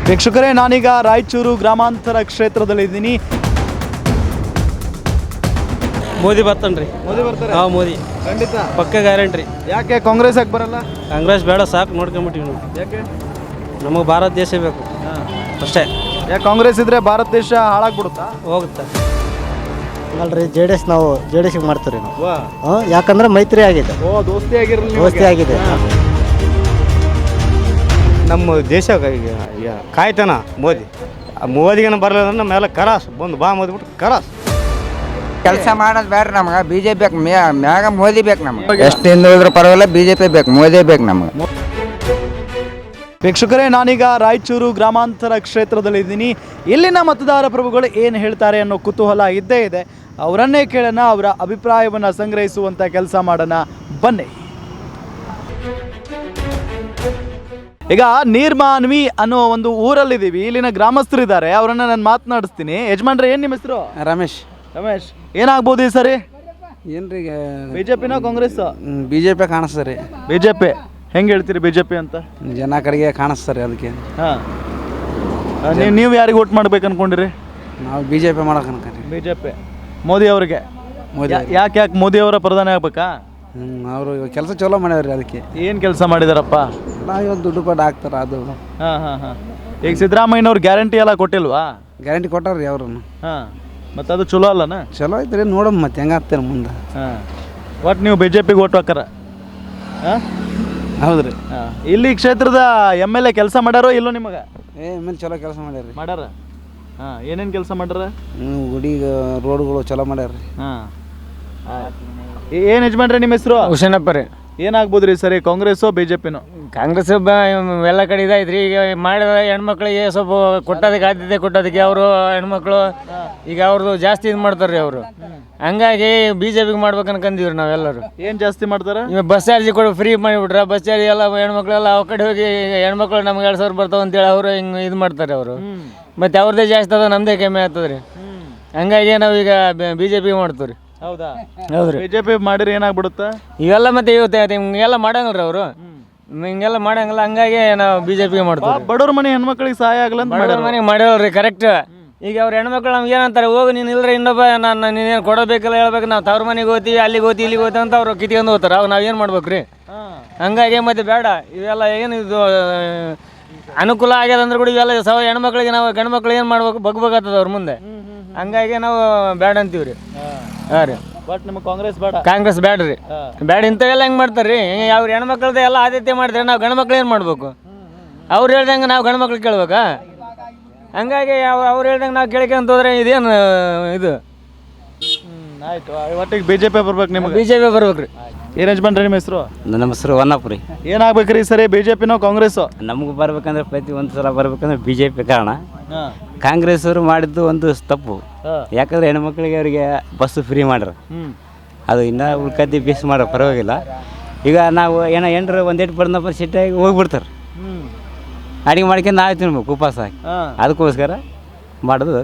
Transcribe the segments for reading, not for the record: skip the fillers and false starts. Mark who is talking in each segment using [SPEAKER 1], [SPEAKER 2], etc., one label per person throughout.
[SPEAKER 1] ವೀಕ್ಷಕರೇ, ನಾನೀಗ ರಾಯಚೂರು ಗ್ರಾಮಾಂತರ ಕ್ಷೇತ್ರದಲ್ಲಿದ್ದೀನಿ.
[SPEAKER 2] ಮೋದಿ ಬರ್ತಾನ್ರಿ.
[SPEAKER 1] ಮೋದಿ ಬರ್ತಾರೆ?
[SPEAKER 2] ಹಾಂ, ಮೋದಿ
[SPEAKER 1] ಖಂಡಿತ,
[SPEAKER 2] ಪಕ್ಕ ಗ್ಯಾರಂಟಿ.
[SPEAKER 1] ಯಾಕೆ ಕಾಂಗ್ರೆಸ್ ಯಾಕೆ ಬರಲ್ಲ?
[SPEAKER 2] ಕಾಂಗ್ರೆಸ್ ಬೇಡ, ಸಾಕು, ನೋಡ್ಕೊಂಬಿಟ್ಟಿವಿ ನಾವು.
[SPEAKER 1] ಯಾಕೆ?
[SPEAKER 2] ನಮಗೆ ಭಾರತ ದೇಶ ಬೇಕು ಅಷ್ಟೇ.
[SPEAKER 1] ಯಾಕೆ ಕಾಂಗ್ರೆಸ್ ಇದ್ರೆ ಭಾರತ ದೇಶ ಹಾಳಾಗ್ಬಿಡುತ್ತಾ?
[SPEAKER 2] ಹೋಗುತ್ತೆ.
[SPEAKER 3] ಅಲ್ರಿ, JDS ನಾವು JDS ಮಾಡ್ತೀವಿ ನಾವು.
[SPEAKER 1] ವಾ,
[SPEAKER 3] ಯಾಕಂದ್ರೆ ಮೈತ್ರಿ ಆಗಿದೆ,
[SPEAKER 1] ದೋಸ್ತಿ ಆಗಿರಲಿ,
[SPEAKER 3] ದೋಸ್ತಿ ಆಗಿದೆ.
[SPEAKER 4] ನಮ್ಮ ದೇಶ ಕಾಯ್ತಾನ ಮೋದಿಗೇನು ಬರಲ್ಲ ನಮ್ಮೆಲ್ಲ ಕರಾಸ್ ಬಂದು ಬಾ ಮೋದಿಬಿಟ್ಟು ಕರಾಸ್.
[SPEAKER 5] ಕೆಲಸ ಮಾಡೋದು ಬೇಡ ನಮ್ಗೆ. BJP ಬೇಕು, ಮ್ಯಾಗ ಮೋದಿ ಬೇಕು ನಮ್ಗೆ. ಎಷ್ಟು ಹಿಂದುಳಿದ್ರೂ ಪರವಾಗಿಲ್ಲ, BJP ಬೇಕು, ಮೋದಿ ಬೇಕು ನಮ್ಗೆ.
[SPEAKER 1] ವೀಕ್ಷಕರೇ, ನಾನೀಗ ರಾಯಚೂರು ಗ್ರಾಮಾಂತರ ಕ್ಷೇತ್ರದಲ್ಲಿದ್ದೀನಿ. ಇಲ್ಲಿನ ಮತದಾರ ಪ್ರಭುಗಳು ಏನು ಹೇಳ್ತಾರೆ ಅನ್ನೋ ಕುತೂಹಲ ಇದ್ದೇ ಇದೆ. ಅವರನ್ನೇ ಕೇಳೋಣ, ಅವರ ಅಭಿಪ್ರಾಯವನ್ನು ಸಂಗ್ರಹಿಸುವಂಥ ಕೆಲಸ ಮಾಡೋಣ, ಬನ್ನಿ. ಈಗ ನೀರ್ಮಾನ್ವಿ ಅನ್ನೋ ಒಂದು ಊರಲ್ಲಿದ್ದೀವಿ. ಇಲ್ಲಿನ ಗ್ರಾಮಸ್ಥರಿದ್ದಾರೆ, ಅವರನ್ನು ನಾನು ಮಾತನಾಡಿಸ್ತೀನಿ. ಯಜಮಾನ್ರೆ, ಏನು ನಿಮ್ಮ ಹೆಸರು?
[SPEAKER 2] ರಮೇಶ್.
[SPEAKER 1] ರಮೇಶ್, ಏನಾಗ್ಬೋದು ಈ ಸರಿ?
[SPEAKER 2] ಏನ್ರಿ,
[SPEAKER 1] ಬಿಜೆಪಿನ ಕಾಂಗ್ರೆಸ್?
[SPEAKER 2] BJP ಕಾಣಿಸ್ತದೆ.
[SPEAKER 1] ಬಿಜೆಪಿ ಹೆಂಗೆ ಹೇಳ್ತೀರಿ ಬಿಜೆಪಿ ಅಂತ?
[SPEAKER 2] ಜನ ಕಡೆಗೆ ಕಾಣಿಸ್ತಾರೆ, ಅದಕ್ಕೆ.
[SPEAKER 1] ಹಾಂ, ನೀವು ಯಾರಿಗೆ ವೋಟ್ ಮಾಡ್ಬೇಕು ಅನ್ಕೊಂಡಿರಿ?
[SPEAKER 2] ನಾವು BJP ಮಾಡಕ್ಕೆ ಅನ್ಕೊಂಡ್ರಿ.
[SPEAKER 1] ಬಿಜೆಪಿ, ಮೋದಿ ಅವರಿಗೆ.
[SPEAKER 2] ಮೋದಿ
[SPEAKER 1] ಯಾಕೆ ಮೋದಿ ಅವರ ಪ್ರಧಾನಿ ಆಗ್ಬೇಕಾ?
[SPEAKER 2] ಅವರು ಕೆಲಸ ಚಲೋ ಮಾಡ್ಯಾವ್ರಿ, ಅದಕ್ಕೆ.
[SPEAKER 1] ಏನು ಕೆಲಸ ಮಾಡಿದಾರಪ್ಪ?
[SPEAKER 2] ನಾವು ಇವತ್ತು ದುಡ್ಡು ಪಟ್ಟು ಹಾಕ್ತಾರೆ, ಅದು.
[SPEAKER 1] ಹಾಂ ಹಾಂ ಹಾಂ. ಈಗ ಸಿದ್ದರಾಮಯ್ಯನವ್ರು ಗ್ಯಾರಂಟಿ ಎಲ್ಲ ಕೊಟ್ಟಿಲ್ವಾ?
[SPEAKER 2] ಗ್ಯಾರಂಟಿ ಕೊಟ್ಟಾರ್ರಿ ಅವ್ರನ್ನು.
[SPEAKER 1] ಹಾಂ, ಮತ್ತು ಅದು ಚಲೋ ಅಲ್ಲನ?
[SPEAKER 2] ಚಲೋ ಐತ್ರಿ, ನೋಡಮ್ಮ ಮತ್ತೆ ಹೆಂಗೆ ಆಗ್ತಾರೆ ಮುಂದೆ.
[SPEAKER 1] ಹಾಂ, ಒಟ್ಟು ನೀವು ಬಿಜೆಪಿಗೆ ವೋಟ್ ಹಾಕಾರ? ಹಾಂ,
[SPEAKER 2] ಹೌದ್ರಿ.
[SPEAKER 1] ಹಾಂ. ಇಲ್ಲಿ ಕ್ಷೇತ್ರದ MLA ಕೆಲಸ ಮಾಡ್ಯಾರೋ ಇಲ್ಲೋ ನಿಮಗೆ?
[SPEAKER 2] ಮೇಲೆ ಚಲೋ ಕೆಲಸ ಮಾಡ್ಯಾರ್ರಿ.
[SPEAKER 1] ಮಾಡ್ಯಾರ? ಹಾಂ, ಏನೇನು ಕೆಲಸ ಮಾಡ್ಯಾರ?
[SPEAKER 2] ಗುಡಿಗೆ ರೋಡ್ಗಳು ಚಲೋ ಮಾಡ್ಯಾರ್ರಿ.
[SPEAKER 1] ಹಾಂ, ಏನು ಯಜಮಾನ್ರೆ ನಿಮ್ಮ ಹೆಸರು?
[SPEAKER 6] ಹುಸೇನಪ್ಪ ರೀ.
[SPEAKER 1] ಏನಾಗ್ಬೋದು ರೀ ಸರಿ, ಕಾಂಗ್ರೆಸ್ಸೋ ಬಿಜೆಪಿನೋ?
[SPEAKER 6] ಕಾಂಗ್ರೆಸ್ ಎಲ್ಲ ಕಡೆ ಇದಾಯ್ತು ರೀ. ಈಗ ಮಾಡಿದ ಹೆಣ್ಮಕ್ಳಿಗೆ ಸ್ವಲ್ಪ ಕೊಟ್ಟೋದಕ್ಕೆ ಆದ್ಯತೆ ಕೊಟ್ಟೋದಕ್ಕೆ ಅವರು ಹೆಣ್ಮಕ್ಳು ಈಗ ಅವ್ರದ್ದು ಜಾಸ್ತಿ ಇದು ಮಾಡ್ತಾರೆ ರೀ ಅವರು. ಹಂಗಾಗಿ BJPಗೆ ಮಾಡ್ಬೇಕು ಅನ್ಕಂದೀವ್ರಿ ನಾವೆಲ್ಲರೂ.
[SPEAKER 1] ಏನು ಜಾಸ್ತಿ ಮಾಡ್ತಾರೆ?
[SPEAKER 6] ಇವಾಗ ಬಸ್ ಚಾರ್ಜ್ ಕೊಡು ಫ್ರೀ ಮಾಡಿಬಿಟ್ರೆ, ಬಸ್ ಚಾರ್ಜ್ ಎಲ್ಲ ಹೆಣ್ಮಕ್ಳೆಲ್ಲ ಆ ಕಡೆ ಹೋಗಿ ಹೆಣ್ಮಕ್ಳು ನಮ್ಗೆ 2,000 ಬರ್ತಾವೆ ಅಂತೇಳಿ ಅವರು ಹಿಂಗೆ ಇದು ಮಾಡ್ತಾರೆ ಅವರು. ಮತ್ತು ಅವ್ರದ್ದೇ ಜಾಸ್ತಿ ಅದ, ನಮ್ಮದೇ ಕಮ್ಮಿ ಆಗ್ತದೆ ರೀ. ಹಂಗಾಗಿ ನಾವೀಗ BJP ಮಾಡ್ತೀವಿ ರೀ.
[SPEAKER 1] ಹೌದಾ?
[SPEAKER 6] ಹೌದ್ರಿ.
[SPEAKER 1] ಬಿಜೆಪಿ ಮಾಡಿದ್ರೆ ಏನಾಗ್ಬಿಡುತ್ತಾ?
[SPEAKER 6] ಇವೆಲ್ಲ ಮತ್ತೆ ಇವತ್ತು ಹಿಂಗೆಲ್ಲ ಮಾಡಂಗಿಲ್ಲ ರೀ ಅವರು, ಹಿಂಗೆಲ್ಲ ಮಾಡಂಗಿಲ್ಲ. ಹಂಗಾಗಿ ನಾವು BJPಗೆ ಮಾಡ್ತೀವಿ.
[SPEAKER 1] ಬಡವ್ರ ಮನೆ ಹೆಣ್ಮಕ್ಳಿಗೆ ಸಹಾಯ ಆಗಲ್ಲ ಅಂತ
[SPEAKER 6] ಬಡವ್ರ ಮನೆಗೆ ಮಾಡಿರಲ್ರಿ, ಕರೆಕ್ಟ್. ಈಗ ಅವ್ರ ಹೆಣ್ಮಕ್ಳು ನಮ್ಗೆ ಏನಂತಾರೆ, ಹೋಗಿ ನೀನು ಇಲ್ಲರೆ ಇನ್ನೊಬ್ಬ ನಾನು ನೀನೇನು ಕೊಡಬೇಕಲ್ಲ ಹೇಳ್ಬೇಕು, ನಾವು ತವ್ರ ಮನೆಗೆ ಹೋಗ್ತೀವಿ, ಅಲ್ಲಿಗೆ ಹೋಗ್ತೀವಿ, ಇಲ್ಲಿಗೆ ಹೋಗ್ತೀವಿ ಅಂತ ಅವ್ರು ಕಿತ್ಕೊಂಡು ಹೋಗ್ತಾರೆ. ಅವಾಗ ನಾವು ಏನು ಮಾಡ್ಬೇಕು ರೀ? ಹಂಗಾಗಿ ಮತ್ತೆ ಬೇಡ ಇವೆಲ್ಲ. ಏನು ಇದು ಅನುಕೂಲ ಆಗ್ಯದ ಅಂದ್ರೆ ಕೂಡ ಇವೆಲ್ಲ ಹೆಣ್ಮಕ್ಳಿಗೆ ನಾವು ಗಂಡು ಮಕ್ಳು ಏನು ಮಾಡ್ಬೇಕು, ಬಗ್ಬೇಕಾಗ್ತದೆ ಅವ್ರ ಮುಂದೆ. ಹಂಗಾಗಿ ನಾವು ಬೇಡ ಅಂತೀವಿ ರೀ. ಹಾಂ ರೀ,
[SPEAKER 1] ಬಟ್ ನಿಮಗೆ ಕಾಂಗ್ರೆಸ್ ಬೇಡ?
[SPEAKER 6] ಕಾಂಗ್ರೆಸ್ ಬೇಡ ರೀ, ಬೇಡ. ಇಂಥವೆಲ್ಲ ಹೆಂಗೆ ಮಾಡ್ತಾರೆ ರೀ? ಅವ್ರ ಹೆಣ್ಮಕ್ಳದ್ದು ಎಲ್ಲ ಆದ್ಯತೆ ಮಾಡಿದ್ರೆ ನಾವು ಗಂಡು ಮಕ್ಳು ಏನು ಮಾಡ್ಬೇಕು? ಅವ್ರು ಹೇಳ್ದಂಗೆ ನಾವು ಗಂಡು ಮಕ್ಳು ಕೇಳ್ಬೇಕಾ? ಹಂಗಾಗಿ ಅವ್ರು ಹೇಳ್ದಂಗೆ ನಾವು ಕೇಳ್ಕೊಂತ ಹೋದ್ರೆ ಇದೇನು ಇದು?
[SPEAKER 1] ಆಯ್ತು, ಒಟ್ಟಿಗೆ BJP ಬರ್ಬೇಕು ನಿಮಗೆ?
[SPEAKER 6] BJP ಬರ್ಬೇಕು ರೀ.
[SPEAKER 1] ಏನು ಯಜಮಾನ್ರಿ ನಿಮ್ಮ ಹೆಸರು?
[SPEAKER 4] ನಮ್ಮ ಹೆಸರು ವನ್ನಪ್ಪ ರೀ.
[SPEAKER 1] ಏನಾಗ್ಬೇಕ್ರಿ ಸರಿ, ಬಿಜೆಪಿನೋ ಕಾಂಗ್ರೆಸ್ಸೋ?
[SPEAKER 4] ನಮ್ಗೆ ಬರ್ಬೇಕಂದ್ರೆ ಪ್ರತಿ ಒಂದು ಸಲ ಬರ್ಬೇಕಂದ್ರೆ BJP ಕಾರಣ. ಕಾಂಗ್ರೆಸ್ ಅವರು ಮಾಡಿದ್ದು ಒಂದು ತಪ್ಪು. ಯಾಕಂದ್ರೆ ಹೆಣ್ಮಕ್ಳಿಗೆ ಅವರಿಗೆ ಬಸ್ಸು ಫ್ರೀ ಮಾಡ್ರ, ಅದು ಇನ್ನೂ ಉಳ್ಕದ್ದಿ ಬೇಸ್ ಮಾಡೋ ಪರವಾಗಿಲ್ಲ. ಈಗ ನಾವು ಏನರ ಒಂದೇಟು ಬಂದಪ್ಪ ಸಿಟ್ಟಾಗಿ ಹೋಗ್ಬಿಡ್ತಾರೆ, ಅಡಿಗೆ ಮಾಡ್ಕೊಂಡು ನಾಳೆ ತಿನ್ಬೇಕು ಉಪವಾಸ ಹಾಕಿ. ಅದಕ್ಕೋಸ್ಕರ ಮಾಡೋದು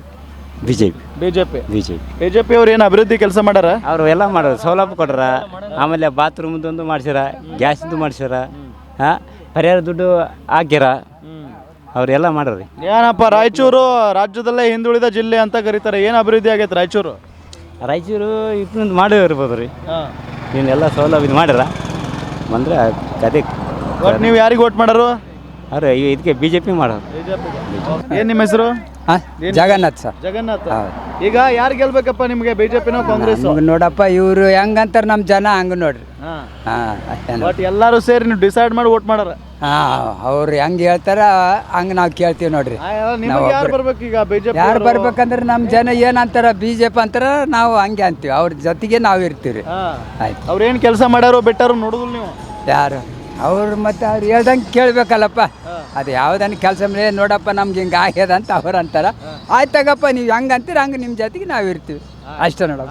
[SPEAKER 1] ಬಿಜೆಪಿ ಅವ್ರು ಏನು ಅಭಿವೃದ್ಧಿ ಕೆಲಸ ಮಾಡ್ಯಾರ?
[SPEAKER 4] ಅವರು ಎಲ್ಲ ಮಾಡೋದು ಸೌಲಭ್ಯ ಕೊಟ್ರ, ಆಮೇಲೆ ಬಾತ್ರೂಮ್ದೊಂದು ಮಾಡ್ಸ್ಯಾರ, ಗ್ಯಾಸಿಂದು ಮಾಡ್ಸ್ಯಾರ, ಪರಿಹಾರ ದುಡ್ಡು ಹಾಕ್ಯಾರ, ಅವರೆಲ್ಲ ಮಾಡ್ರಿ.
[SPEAKER 1] ಏನಪ್ಪ, ರಾಯಚೂರು ರಾಜ್ಯದಲ್ಲೇ ಹಿಂದುಳಿದ ಜಿಲ್ಲೆ ಅಂತ ಕರೀತಾರೆ. ಏನು ಅಭಿವೃದ್ಧಿ ಆಗೈತೆ ರಾಯಚೂರು?
[SPEAKER 4] ರಾಯಚೂರು ಇದನ್ನ ಮಾಡೇ ಇರ್ಬೋದು ರೀ. ಇವನ್ನೆಲ್ಲ ಸೌಲಭ್ಯ ಮಾಡ್ಯಾರ ಬಂದರೆ ಕತೆ.
[SPEAKER 1] ನೀವು ಯಾರಿಗೆ ವೋಟ್ ಮಾಡೋರು?
[SPEAKER 4] ಅವ್ರು ಇದಕ್ಕೆ BJP ಮಾಡೋರು.
[SPEAKER 1] ಏನು ನಿಮ್ಮ ಹೆಸರು?
[SPEAKER 5] ಜಗನ್ನಾಥ್ ಸರ್.
[SPEAKER 1] ಜಗನ್ನಾಥ್. ಈಗ ಯಾರು ಗೆಲ್ಬೇಕಪ್ಪ ನಿಮಗೆ, ಬಿಜೆಪಿನೋ ಕಾಂಗ್ರೆಸ್?
[SPEAKER 5] ನೋಡಪ್ಪ, ಇವರು ಹೆಂಗಂತಾರೆ ನಮ್ಮ ಜನ ಹಂಗೆ ನೋಡ್ರಿ.
[SPEAKER 1] ಬಟ್ ಎಲ್ಲರೂ ಸೇರಿ ನೀವು ಡಿಸೈಡ್ ಮಾಡಿ ವೋಟ್ ಮಾಡಾರ?
[SPEAKER 5] ಅವ್ರು ಹೆಂಗೆ ಹೇಳ್ತಾರ ಹಂಗೆ ನಾವು ಕೇಳ್ತೀವಿ ನೋಡ್ರಿ.
[SPEAKER 1] ಯಾರು ಬರ್ಬೇಕು ಈಗ ಬಿಜೆಪಿ?
[SPEAKER 5] ಯಾರು ಬರ್ಬೇಕಂದ್ರೆ ನಮ್ಮ ಜನ ಏನಂತಾರ BJP ಅಂತಾರ, ನಾವು ಹಂಗೆ ಅಂತೀವಿ. ಅವ್ರ ಜೊತೆಗೆ ನಾವು ಇರ್ತೀವಿ. ಆಯ್ತು,
[SPEAKER 1] ಅವ್ರು ಏನು ಕೆಲಸ ಮಾಡ್ಯಾರೋ ಬಿಟ್ಟಾರೋ ನೋಡುದಿಲ್ಲ ನೀವು?
[SPEAKER 5] ಯಾರು ಅವ್ರು ಮತ್ತೆ ಅವ್ರು ಹೇಳ್ದಂಗೆ ಕೇಳಬೇಕಲ್ಲಪ್ಪ. ಅದು ಯಾವುದನ್ನು ಕೆಲಸ ಮೇಲೆ ನೋಡಪ್ಪ ನಮ್ಗೆ ಹಿಂಗೆ ಆಗ್ಯದ ಅಂತ ಅವ್ರು ಅಂತಾರ. ಆಯ್ತು ತಗಪ್ಪ, ನೀವು ಹೆಂಗೆ ಅಂತೀರ ಹಂಗೆ ನಿಮ್ಮ ಜೊತೆಗೆ ನಾವು ಇರ್ತೀವಿ ಅಷ್ಟೇ ನೋಡಪ್ಪ.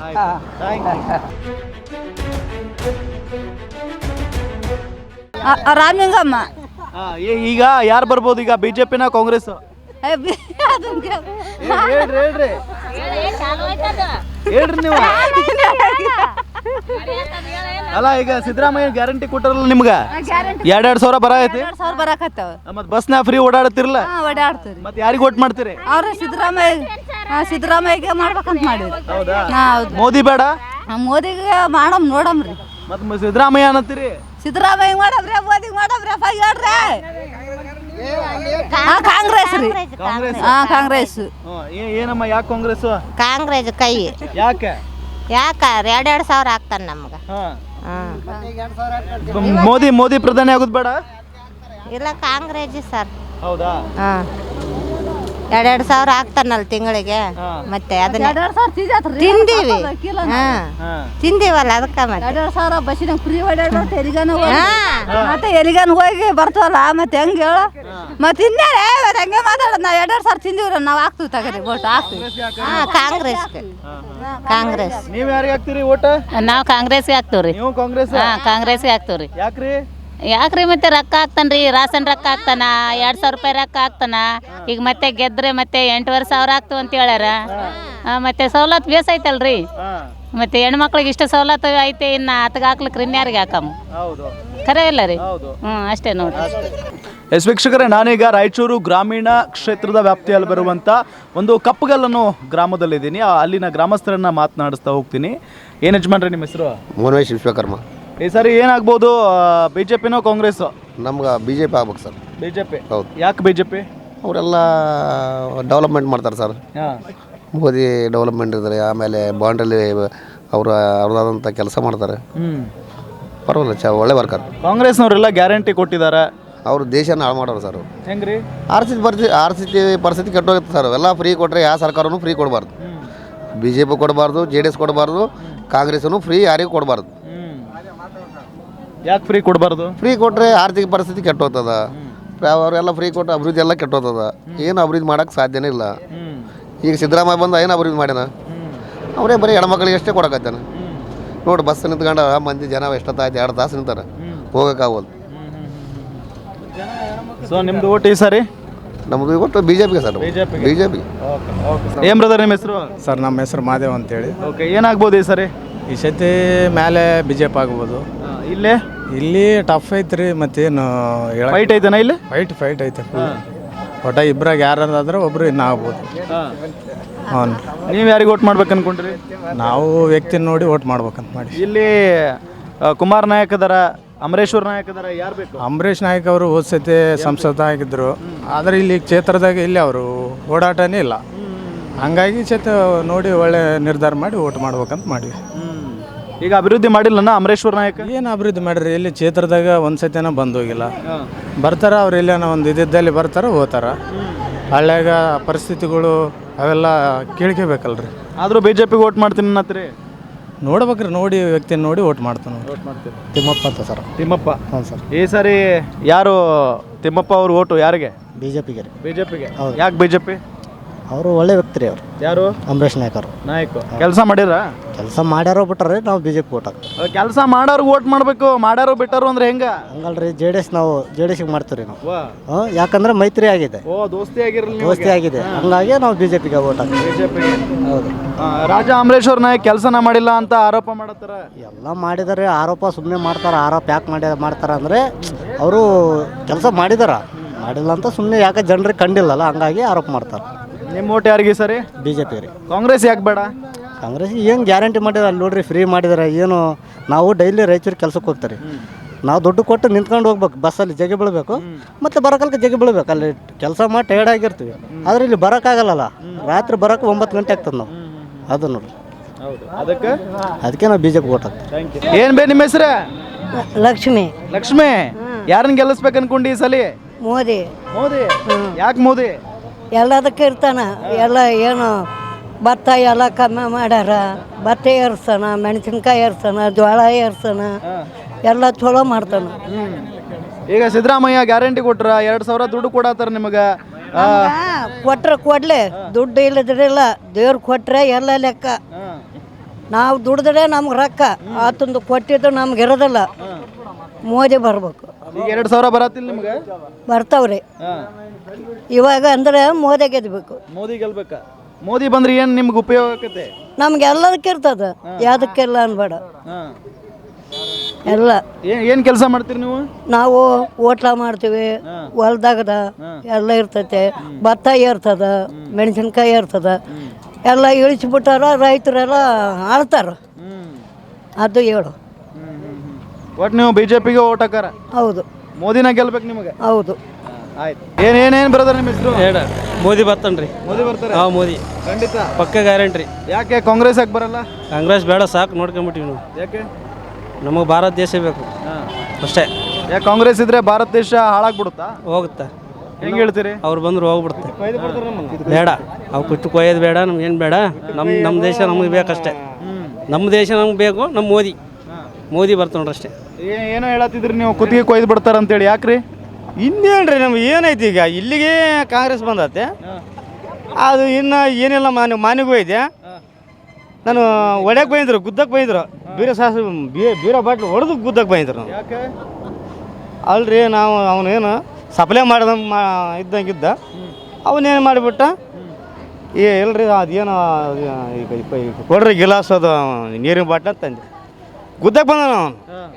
[SPEAKER 7] ರಾಮಲಿಂಗಮ್ಮ.
[SPEAKER 1] ಈಗ ಯಾರು ಬರ್ಬೋದು ಈಗ, ಬಿಜೆಪಿನ ಕಾಂಗ್ರೆಸ್?
[SPEAKER 7] ಹೇಳ್ರಿ
[SPEAKER 1] ಹೇಳ್ರಿ ನೀವು. ಅಲ್ಲ ಈಗ ಸಿದ್ದರಾಮಯ್ಯ ಗ್ಯಾರಂಟಿ ಕೊಟ್ಟಾರಲ್ಲ ನಿಮ್ಗ 2,000 ಬರ ಐತಿ.
[SPEAKER 7] 2,000 ಬರಾಕತ್ತಾವ.
[SPEAKER 1] ಮತ್ ಬಸ್ನ ಫ್ರೀ ಓಡಾಡ್ತಿರಲ್ಲ,
[SPEAKER 7] ಓಡಾಡ್ತೀರಿ.
[SPEAKER 1] ಮತ್ ಯಾರಿಗ್ ಓಟ್ ಮಾಡ್ತೀರಿ?
[SPEAKER 7] ಅವ್ರ ಸಿದ್ದರಾಮಯ್ಯಗೆ ಮಾಡ್ಬೇಕಂತ ಮಾಡಿದ್ರು.
[SPEAKER 1] ಹೌದಾ?
[SPEAKER 7] ಹೌದು.
[SPEAKER 1] ಮೋದಿ ಬೇಡ,
[SPEAKER 7] ಮೋದಿಗೆ ಮಾಡಮ್ರಿ.
[SPEAKER 1] ಮತ್ ಸಿದ್ದರಾಮಯ್ಯ ಅನ್ನತ್ತೀರಿ?
[SPEAKER 7] ಸಿದ್ದರಾಮಯ್ಯ ಮಾಡಮ್ರಿ, ಮೋದಿಗೆ ಮಾಡಮ್ರಿ ಅಪ್ಪ ಹೇಳ್ರಿ. ಕಾಂಗ್ರೆಸ್ ರೀ. ಕಾಂಗ್ರೆಸ್.
[SPEAKER 1] ಏನಮ್ಮ ಯಾಕೆ ಕಾಂಗ್ರೆಸ್?
[SPEAKER 8] ಕಾಂಗ್ರೆಸ್ ಕೈ
[SPEAKER 1] ಯಾಕೆ?
[SPEAKER 8] ಯಾಕ 2,000 ಆಗ್ತಾನೆ ನಮ್ಗೆ.
[SPEAKER 1] ಮೋದಿ ಪ್ರಧಾನಿ ಆಗೋದು ಬೇಡ?
[SPEAKER 8] ಇಲ್ಲ ಕಾಂಗ್ರೆಸ್ ಸರ್.
[SPEAKER 1] ಹೌದಾ?
[SPEAKER 8] 2,000 ಆಗ್ತಾನಲ್ಲ ತಿಂಗಳಿಗೆ. ಮತ್ತೆ ಅದನ್ನ
[SPEAKER 7] 2,000
[SPEAKER 8] ತಿಂದೀವಿ. ತಿಂದೀವಲ್ಲ ಅದಕ್ಕೆ ಮತ್ತೆ
[SPEAKER 7] 2,000 ಬಸ್ಸಿನಾಗ ಫ್ರೀ ಓಡಾಡ್ಬಿಟ್ಟು ಮತ್ತೆ ಎಲ್ಲಿಗಾನ ಹೋಗಿ ಬರ್ತವಲ್ಲ ಮತ್ತೆ ಹೆಂಗೆ ಹೇಳು. ಮತ್ತೆ ಇನ್ನೇನೆ ಹಂಗೆ ಮಾತಾಡೋದು. ನಾವು 2,000 ತಿಂದಿವ್ರ ನಾವು ಹಾಕ್ತೀವಿ ತಗರಿ ಓಟ್ ಹಾಕ್ತೀವಿ.
[SPEAKER 8] ಕಾಂಗ್ರೆಸ್.
[SPEAKER 1] ನೀವ್ ಯಾರಿಗೆ ಹಾಕ್ತೀರಿ ಓಟ್?
[SPEAKER 9] ನಾವು ಕಾಂಗ್ರೆಸ್ಗೆ ಹಾಕ್ತೇವ್ರಿ.
[SPEAKER 1] ನೀವು ಕಾಂಗ್ರೆಸ್?
[SPEAKER 9] ಕಾಂಗ್ರೆಸ್ಗೆ ಹಾಕ್ತೇವ್ರಿ.
[SPEAKER 1] ಯಾಕ್ರಿ?
[SPEAKER 9] ಯಾಕ್ರಿ ಮತ್ತೆ ರೊಕ್ಕ ಹಾಕ್ತಾನ್ರಿ, ರಾಸನ್ ರೊಕ್ಕ ಹಾಕ್ತಾನ, 2,000 ರೂಪಾಯಿ ರೊಕ್ಕ ಹಾಕ್ತಾನ. ಈಗ ಮತ್ತೆ ಗೆದ್ರೆ ಮತ್ತೆ 8,500 ಆಗ್ತವ ಅಂತ ಹೇಳ್ಯಾರ. ಮತ್ತೆ ಸವಲತ್ತು ಬೇಸೈತಲ್ರಿ. ಮತ್ತೆ ಹೆಣ್ಮಕ್ಳಿಗೆ ಇಷ್ಟ ಸವಲತ್ತು ಐತೆ, ಇನ್ನು ಹತ್ಗೆ ಹಾಕ್ಲಿಕ್ರಿ ಇನ್ಯಾರಿಗೆ ಹಾಕಮ್ಮ. ಖರೆ ಇಲ್ಲ ರೀ. ಅಷ್ಟೇ ನೋಡ್ರಿ.
[SPEAKER 1] ಎಸ್ ವೀಕ್ಷಕರೇ, ನಾನೀಗ ರಾಯಚೂರು ಗ್ರಾಮೀಣ ಕ್ಷೇತ್ರದ ವ್ಯಾಪ್ತಿಯಲ್ಲಿ ಬರುವಂಥ ಒಂದು ಕಪ್ಪಗಲ್ಲನ್ನು ಗ್ರಾಮದಲ್ಲಿದ್ದೀನಿ. ಅಲ್ಲಿನ ಗ್ರಾಮಸ್ಥರನ್ನ ಮಾತನಾಡಿಸ್ತಾ ಹೋಗ್ತೀನಿ. ಏನು ಯಜಮಾನ್ರಿ ನಿಮ್ಮ ಹೆಸರು?
[SPEAKER 10] ಮೋನೇಶ್ ವಿಶ್ವಕರ್ಮ.
[SPEAKER 1] ಈ ಸಾರಿ ಏನಾಗ್ಬೋದು, ಬಿಜೆಪಿನೋ ಕಾಂಗ್ರೆಸ್?
[SPEAKER 10] ನಮ್ಗೆ BJP ಆಗ್ಬೇಕು ಸರ್.
[SPEAKER 1] ಬಿಜೆಪಿ.
[SPEAKER 10] ಹೌದು.
[SPEAKER 1] ಯಾಕೆ ಬಿಜೆಪಿ?
[SPEAKER 10] ಅವರೆಲ್ಲ ಡೆವಲಪ್ಮೆಂಟ್ ಮಾಡ್ತಾರೆ ಸರ್. ಮೋದಿ ಡೆವಲಪ್ಮೆಂಟ್ ಇದ್ದಾರೆ, ಆಮೇಲೆ ಬಾಂಡ್ರಲ್ಲಿ ಅವ್ರದಾದಂಥ ಕೆಲಸ ಮಾಡ್ತಾರೆ. ಪರವಾಗಿಲ್ಲ, ಒಳ್ಳೆ ವರ್ಕರ್.
[SPEAKER 1] ಕಾಂಗ್ರೆಸ್ನವರೆಲ್ಲ ಗ್ಯಾರಂಟಿ ಕೊಟ್ಟಿದ್ದಾರೆ,
[SPEAKER 10] ಅವರು ದೇಶನ ಹಾಳು ಮಾಡೋರು ಸರ್.
[SPEAKER 1] ಹೆಂಗ್ರಿ?
[SPEAKER 10] ಆರ್ಥಿಕ ಪರಿಸ್ಥಿತಿ ಕೆಟ್ಟೋಗುತ್ತೆ ಸರ್. ಎಲ್ಲ ಫ್ರೀ ಕೊಟ್ಟರೆ ಯಾವ ಸರ್ಕಾರನೂ ಫ್ರೀ ಕೊಡಬಾರ್ದು. BJP ಕೊಡಬಾರ್ದು, JDS ಕೊಡಬಾರ್ದು, ಕಾಂಗ್ರೆಸ್ನು ಫ್ರೀ ಯಾರಿಗೂ ಕೊಡಬಾರ್ದು.
[SPEAKER 1] ಯಾಕೆ ಫ್ರೀ ಕೊಡಬಾರ್ದು?
[SPEAKER 10] ಫ್ರೀ ಕೊಟ್ಟರೆ ಆರ್ಥಿಕ ಪರಿಸ್ಥಿತಿ ಕೆಟ್ಟೋಗ್ತದ. ಅವರೆಲ್ಲ ಫ್ರೀ ಕೊಟ್ಟು ಅಭಿವೃದ್ಧಿ ಎಲ್ಲ ಕೆಟ್ಟೋಗ್ತದ. ಏನು ಅಭಿವೃದ್ಧಿ ಮಾಡೋಕ್ಕೆ ಸಾಧ್ಯನೇ ಇಲ್ಲ. ಈಗ ಸಿದ್ದರಾಮಯ್ಯ ಬಂದ ಏನು ಅಭಿವೃದ್ಧಿ ಮಾಡ್ಯಾನ? ಅವರೇ ಬರೀ ಹೆಣ್ಮಕ್ಳಿಗೆ ಅಷ್ಟೇ ಕೊಡಕತ್ತಾನೆ. ನೋಡಿ, ಬಸ್ ನಿಂತ್ಕೊಂಡು ಮಂದಿ ಜನ ಎಷ್ಟೊತ್ತಾಯ್ತು, 2 ತಾಸು ನಿಂತಾರೆ, ಹೋಗೋಕ್ಕಾಗೋದು.
[SPEAKER 1] ಸೊ ನಿಮ್ದು ಓಟ್ ಈ ಸಾರಿ?
[SPEAKER 10] ನಮ್ಮದು ಇವತ್ತು BJPಗೆ ಸರ್. BJP.
[SPEAKER 1] ಏನ್ ಬ್ರದರ್ ನಿಮ್ಮ ಹೆಸರು?
[SPEAKER 11] ಸರ್ ನಮ್ಮ ಹೆಸರು ಮಾದೇವ್ ಅಂತೇಳಿ.
[SPEAKER 1] ಓಕೆ, ಏನಾಗ್ಬೋದು ಈ ಸಾರಿ?
[SPEAKER 11] ಈ ಸತಿ ಮೇಲೆ BJP ಆಗ್ಬೋದು.
[SPEAKER 1] ಇಲ್ಲೇ
[SPEAKER 11] ಇಲ್ಲಿ ಟಫ್ ಐತ್ರಿ. ಮತ್ತೇನು
[SPEAKER 1] ಫೈಟ್ ಐತೆನಾ ಇಲ್ಲಿ?
[SPEAKER 11] ಫೈಟ್ ಐತೆ. ಒಟ್ಟ ಇಬ್ಬರಾಗ ಯಾರಾದ್ರೆ ಒಬ್ರು ಇನ್ನು ಆಗ್ಬೋದು. ಹ್ಞೂ.
[SPEAKER 1] ನೀವು ಯಾರಿಗೆ ಓಟ್ ಮಾಡ್ಬೇಕು ಅನ್ಕೊಂಡ್ರಿ?
[SPEAKER 11] ನಾವು ವ್ಯಕ್ತಿನ ನೋಡಿ ಓಟ್ ಮಾಡ್ಬೇಕಂತ ಮಾಡಿ.
[SPEAKER 1] ಇಲ್ಲಿ ಕುಮಾರ್ ನಾಯಕ್ ಅದರ, ಅಮರೇಶ್ವರ್ ನಾಯಕ್ ಅದರ, ಯಾರು ಬೇಕು?
[SPEAKER 11] ಅಂಬರೀಷ್ ನಾಯ್ಕ ಅವರು ಹೋದ ಸತಿ ಸಂಸದ ಆಗಿದ್ರು. ಆದರೆ ಇಲ್ಲಿ ಕ್ಷೇತ್ರದಾಗ ಇಲ್ಲಿ ಅವರು ಓಡಾಟನೇ ಇಲ್ಲ. ಹಂಗಾಗಿ ನೋಡಿ ಒಳ್ಳೆ ನಿರ್ಧಾರ ಮಾಡಿ ಓಟ್ ಮಾಡ್ಬೇಕಂತ ಮಾಡಿವಿ.
[SPEAKER 1] ಈಗ ಅಭಿವೃದ್ಧಿ ಮಾಡಿಲ್ಲನ ಅಮರೇಶ್ವರ್ ನಾಯಕ್?
[SPEAKER 11] ಏನು ಅಭಿವೃದ್ಧಿ ಮಾಡ್ರಿ, ಇಲ್ಲಿ ಕ್ಷೇತ್ರದಾಗ ಒಂದು ಸತಿನ ಬಂದೋಗಿಲ್ಲ. ಬರ್ತಾರ ಅವ್ರು ಎಲ್ಲೇನೋ ಒಂದು ಇದ್ದಲ್ಲಿ ಬರ್ತಾರ ಹೋಗ್ತಾರ. ಹಳ್ಳ್ಯಾಗ ಪರಿಸ್ಥಿತಿಗಳು ಅವೆಲ್ಲ ಕೇಳ್ಕೋಬೇಕಲ್ರಿ.
[SPEAKER 1] ಆದರೂ BJPಗೆ ಓಟ್ ಮಾಡ್ತೀನಿ ಅನ್ನತ್ರಿ?
[SPEAKER 11] ನೋಡ್ಬೇಕ್ರಿ, ನೋಡಿ ವ್ಯಕ್ತಿನ ನೋಡಿ ಓಟ್ ಮಾಡ್ತಾನೆ.
[SPEAKER 1] ಓಟ್ ಮಾಡ್ತೀರಿ?
[SPEAKER 3] ತಿಮ್ಮಪ್ಪ ಅಂತ ಸರ್.
[SPEAKER 1] ತಿಮ್ಮಪ್ಪ.
[SPEAKER 3] ಹ್ಞೂ ಸರ್.
[SPEAKER 1] ಈ ಸಾರಿ ಯಾರು ತಿಮ್ಮಪ್ಪ ಅವ್ರ ಓಟು ಯಾರಿಗೆ?
[SPEAKER 3] BJPಗೆ ರೀ.
[SPEAKER 1] BJPಗೆ.
[SPEAKER 3] ಹೌದು.
[SPEAKER 1] ಯಾಕೆ BJP?
[SPEAKER 3] ಅವರು ಒಳ್ಳೆ ವ್ಯಕ್ತಿ ರೀ. ಅವರು
[SPEAKER 1] ಯಾರು?
[SPEAKER 3] ಅಂಬರೀಷ್ ನಾಯ್ಕ ಅವರು.
[SPEAKER 1] ನಾಯಕ್ ಕೆಲಸ ಮಾಡಿರ?
[SPEAKER 3] ಕೆಲಸ ಮಾಡ್ಯಾರೋ ಬಿಟ್ಟಾರೆ, ನಾವು BJP ಓಟ್ ಹಾಕ್ತೀವಿ.
[SPEAKER 1] ಕೆಲಸ ಮಾಡೋರು ಓಟ್ ಮಾಡಬೇಕು, ಮಾಡ್ಯಾರೋ ಬಿಟ್ಟಾರು ಅಂದ್ರೆ ಹೆಂಗ?
[SPEAKER 3] ಹಂಗಲ್ರಿ, ನಾವು JDSಗೆ ಮಾಡ್ತೀವಿ ನಾವು. ಯಾಕಂದ್ರೆ ಮೈತ್ರಿ ಆಗಿದೆ.
[SPEAKER 1] ದೋಸ್ತಿ ಆಗಿರಲಿ,
[SPEAKER 3] ದೋಸ್ತಿ ಆಗಿದೆ. ಹಂಗಾಗಿ ನಾವು BJPಗೆ ಓಟ್ ಹಾಕ್ತೀವಿ.
[SPEAKER 1] ಬಿಜೆಪಿಗೆ.
[SPEAKER 3] ಹೌದು.
[SPEAKER 1] ರಾಜಾ ಅಮರೇಶ್ವರ್ ನಾಯಕ್ ಕೆಲಸನ ಮಾಡಿಲ್ಲ ಅಂತ ಆರೋಪ ಮಾಡತ್ತಾರ.
[SPEAKER 3] ಎಲ್ಲ ಮಾಡಿದ್ದಾರೆ ಆರೋಪ, ಸುಮ್ಮನೆ ಮಾಡ್ತಾರೆ. ಆರೋಪ ಯಾಕೆ ಮಾಡ್ತಾರೆ ಅಂದರೆ ಅವರು ಕೆಲಸ ಮಾಡಿದಾರ, ಮಾಡಿಲ್ಲ ಅಂತ ಸುಮ್ಮನೆ ಯಾಕೆ ಜನರಿಗೆ ಕಂಡಿಲ್ಲಲ್ಲ, ಹಂಗಾಗಿ ಆರೋಪ ಮಾಡ್ತಾರೆ.
[SPEAKER 1] ನಿಮ್ಮ ಓಟ್ ಯಾರಿಗೆ ಸರಿ?
[SPEAKER 3] BJP ರೀ.
[SPEAKER 1] ಕಾಂಗ್ರೆಸ್ ಯಾಕೆ ಬೇಡ?
[SPEAKER 3] ಕಾಂಗ್ರೆಸ್ಗೆ ಏನು ಗ್ಯಾರಂಟಿ ಮಾಡಿದಾರೆ ಅಲ್ಲಿ ನೋಡ್ರಿ, ಫ್ರೀ ಮಾಡಿದಾರೆ. ಏನು ನಾವು ಡೈಲಿ ರಾಯಚೂರು ಕೆಲಸಕ್ಕೆ ಹೋಗ್ತಾರೆ, ನಾವು ದುಡ್ಡು ಕೊಟ್ಟು ನಿಂತ್ಕೊಂಡು ಹೋಗ್ಬೇಕು, ಬಸ್ಸಲ್ಲಿ ಜಗೆ ಬೀಳಬೇಕು, ಮತ್ತು ಬರೋಕಲ್ಕ ಜಗೆ ಬೀಳ್ಬೇಕು. ಅಲ್ಲಿ ಕೆಲಸ ಮಾಡಿ ಟೈರ್ಡ್ ಆಗಿರ್ತೀವಿ, ಆದರೆ ಇಲ್ಲಿ ಬರೋಕ್ಕಾಗಲ್ಲ. ರಾತ್ರಿ ಬರೋಕೆ 9 ಗಂಟೆ ಆಗ್ತದೆ ನಾವು. ಅದು ನೋಡ್ರಿ, ಅದಕ್ಕೆ ನಾವು BJP ಓಟ್ ಹಾಕ್ತೀವಿ.
[SPEAKER 1] ಏನು ಬೇ ನಿಮ್ಮ ಹೆಸರು?
[SPEAKER 7] ಲಕ್ಷ್ಮಿ.
[SPEAKER 1] ಲಕ್ಷ್ಮಿ, ಯಾರನ್ನ ಗೆಲ್ಲಿಸ್ಬೇಕು ಅನ್ಕೊಂಡು ಈ ಸಲ?
[SPEAKER 7] ಮೋದಿ.
[SPEAKER 1] ಮೋದಿ? ಯಾಕೆ ಮೋದಿ?
[SPEAKER 7] ಎಲ್ಲದಕ್ಕೆ ಇರ್ತಾನ. ಎಲ್ಲ ಏನು ಭತ್ತ ಎಲ್ಲ ಕಮ್ಮಿ ಮಾಡ್ಯಾರ. ಭತ್ತ ಏರ್ಸನ, ಮೆಣಸಿನ್ಕಾಯಿ ಏರ್ಸನ, ಜೋಳ ಏರ್ಸನ, ಎಲ್ಲ ಚಲೋ ಮಾಡ್ತಾನ.
[SPEAKER 1] ಈಗ ಸಿದ್ದರಾಮಯ್ಯ ಗ್ಯಾರಂಟಿ ಕೊಟ್ರ 2,000 ದುಡ್ಡು ಕೊಡತ್ತಾರ ನಿಮಗೆ.
[SPEAKER 7] ಕೊಟ್ರೆ ಕೊಡ್ಲಿ, ದುಡ್ಡು ಇಲ್ಲದ್ರಿಲ್ಲ. ದೇವ್ರು ಕೊಟ್ರೆ ಎಲ್ಲ ಲೆಕ್ಕ. ನಾವು ದುಡಿದ್ರೆ ನಮ್ಗೆ ರೊಕ್ಕ, ಆತಂದು ಕೊಟ್ಟಿದ್ದು ನಮ್ಗೆ ಇರೋದಿಲ್ಲ. ಮೋದಿ ಬರ್ಬೇಕು.
[SPEAKER 1] ಈಗ 2,000 ಬರತ್ತಿಲ್ಲ ನಿಮ್ಗೆ?
[SPEAKER 7] ಬರ್ತಾವ್ರಿ. ಇವಾಗ ಅಂದ್ರೆ ಮೋದಿ ಗೆದ್ಬೇಕು.
[SPEAKER 1] ಮೋದಿ ಗೆಲ್ಬೇಕ? ಮೋದಿ ಬಂದ್ರೆ ಏನು ನಿಮ್ಗೆ ಉಪಯೋಗ ಆಕತೆ?
[SPEAKER 7] ನಮ್ಗೆ ಎಲ್ಲದಕ್ಕೆ ಇರ್ತದ, ಯಾವುದಕ್ಕೆಲ್ಲ ಅನ್ಬೇಡ. ಎಲ್ಲ
[SPEAKER 1] ಏನು ಕೆಲಸ ಮಾಡ್ತೀರಿ ನೀವು?
[SPEAKER 7] ನಾವು ಓಟ್ಲ ಮಾಡ್ತೀವಿ, ಹೊಲ್ದಾಗದ ಎಲ್ಲ ಇರ್ತೈತೆ. ಭತ್ತ ಏರ್ತದ, ಮೆಣಸಿನ್ಕಾಯಿ ಏರ್ತದ, ಎಲ್ಲ ಇಳಿಸ್ಬಿಟ್ಟಾರ. ರೈತರೆಲ್ಲ ಆಳ್ತಾರ. ಅದು ಹೇಳು.
[SPEAKER 1] ಒಟ್ಟು ನೀವು BJPಗೆ ಓಟ್ ಹಾಕಾರ?
[SPEAKER 7] ಹೌದು.
[SPEAKER 1] ಮೋದಿನ ಗೆಲ್ಬೇಕು ನಿಮಗೆ?
[SPEAKER 7] ಹೌದು.
[SPEAKER 1] ಆಯ್ತು. ಏನೇನು ಬ್ರದರ್ ನಿಮ್ಮ ಹೆಸರು?
[SPEAKER 6] ಮೋದಿ ಬರ್ತಾನ್ರಿ.
[SPEAKER 1] ಮೋದಿ ಬರ್ತಾರೆ?
[SPEAKER 6] ಹಾಂ, ಮೋದಿ
[SPEAKER 1] ಖಂಡಿತ
[SPEAKER 6] ಪಕ್ಕ ಗ್ಯಾರಂಟಿ.
[SPEAKER 1] ಯಾಕೆ ಕಾಂಗ್ರೆಸ್ ಯಾಕೆ ಬರಲ್ಲ?
[SPEAKER 6] ಕಾಂಗ್ರೆಸ್ ಬೇಡ, ಸಾಕು, ನೋಡ್ಕೊಂಬಿಟ್ಟಿವಿ ನಾವು.
[SPEAKER 1] ಯಾಕೆ?
[SPEAKER 6] ನಮಗೆ ಭಾರತ ದೇಶ ಬೇಕು ಅಷ್ಟೇ.
[SPEAKER 1] ಯಾಕೆ ಕಾಂಗ್ರೆಸ್ ಇದ್ರೆ ಭಾರತ ದೇಶ ಹಾಳಾಗ್ಬಿಡುತ್ತಾ?
[SPEAKER 6] ಹೋಗುತ್ತೆ.
[SPEAKER 1] ಹೆಂಗೆ ಹೇಳ್ತೀರಿ?
[SPEAKER 6] ಅವ್ರು ಬಂದ್ರು ಹೋಗ್ಬಿಡುತ್ತೆ. ಬೇಡ, ಅವು ಕುಟ್ಟು ಕೊಯ್ಯೋದು ಬೇಡ, ನಮ್ಗೇನು ಬೇಡ. ನಮ್ಮ ದೇಶ ನಮಗೆ ಬೇಕಷ್ಟೇ. ನಮ್ಮ ದೇಶ ನಮ್ಗೆ ಬೇಕು. ನಮ್ಮ ಮೋದಿ ಬರ್ತಾವೆ ನೋಡ್ರಿ ಅಷ್ಟೇ.
[SPEAKER 1] ಏನೋ ಹೇಳತ್ತಿದ್ರಿ ನೀವು, ಕುತ್ತಿಗೆ ಕೊಯ್ದು ಬಿಡ್ತಾರ ಅಂತೇಳಿ. ಯಾಕ್ರಿ?
[SPEAKER 6] ಇನ್ನೇನ್ರಿ ನಮ್ಗೆ ಏನೈತಿ ಈಗ? ಇಲ್ಲಿಗೆ ಕಾಂಗ್ರೆಸ್ ಬಂದತ್ತೆ, ಅದು ಇನ್ನು ಏನಿಲ್ಲ. ಮಾನಿಗೂ ಐತೆ. ನಾನು ಹೊಡ್ಯಕ್ಕೆ ಬೈದ್ರು, ಗುದ್ದಕ್ಕೆ ಬೈದ್ರು. ಬೀರ ಬಾಟ್ಲು ಹೊಡೆದು ಗುದ್ದಕ್ಕೆ ಬೈದ್ರು ನಾವು.
[SPEAKER 1] ಯಾಕೆ?
[SPEAKER 6] ಅಲ್ರಿ, ನಾವು ಅವನೇನು ಸಪ್ಲೈ ಮಾಡ್ದಂಗೆ ಇದ್ದಂಗಿದ್ದ. ಅವನೇನು ಮಾಡಿಬಿಟ್ಟ, ಇಲ್ರಿ ಅದೇನು ಈಗ ಕೊಡ್ರಿ ಗಿಲಾಸ್, ಅದು ನೀರಿನ ಬಾಟ್ಲ ತಂದೆ ಗುದ್ದಕ್ಕೆ ಬಂದ ನಾವು.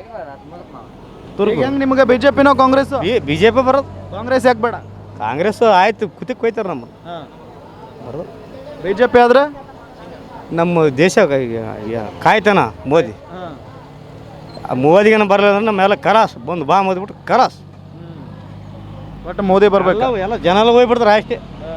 [SPEAKER 1] ಹೆಂಗೆ ನಿಮಗೆ BJPನೋ ಕಾಂಗ್ರೆಸ್?
[SPEAKER 6] BJP ಬರೋದು.
[SPEAKER 1] ಕಾಂಗ್ರೆಸ್ ಯಾಕೆ ಬೇಡ?
[SPEAKER 6] ಕಾಂಗ್ರೆಸ್ ಆಯ್ತು, ಕುತ್ತಿಗೆ ಕೊಯ್ತಾರೆ ನಮ್ಮ ಬರೋದು.
[SPEAKER 1] BJP ಆದ್ರೆ
[SPEAKER 6] ನಮ್ಮ ದೇಶ ಕಾಯ್ತಾನ ಮೋದಿ. ಮೋದಿಗೇನು ಬರಲಿಲ್ಲ ಅಂದ್ರೆ ನಮ್ಮೆಲ್ಲ ಕಲಾಸ್ ಬಂದು ಬಾ ಮೋದಿಬಿಟ್ಟು ಕಲಾಸ್.
[SPEAKER 1] ಒಟ್ಟು ಮೋದಿ ಬರ್ಬೇಕು.
[SPEAKER 6] ಎಲ್ಲ ಜನ ಎಲ್ಲ ಹೋಗ್ಬಿಡ್ತಾರೆ ಅಷ್ಟೇ.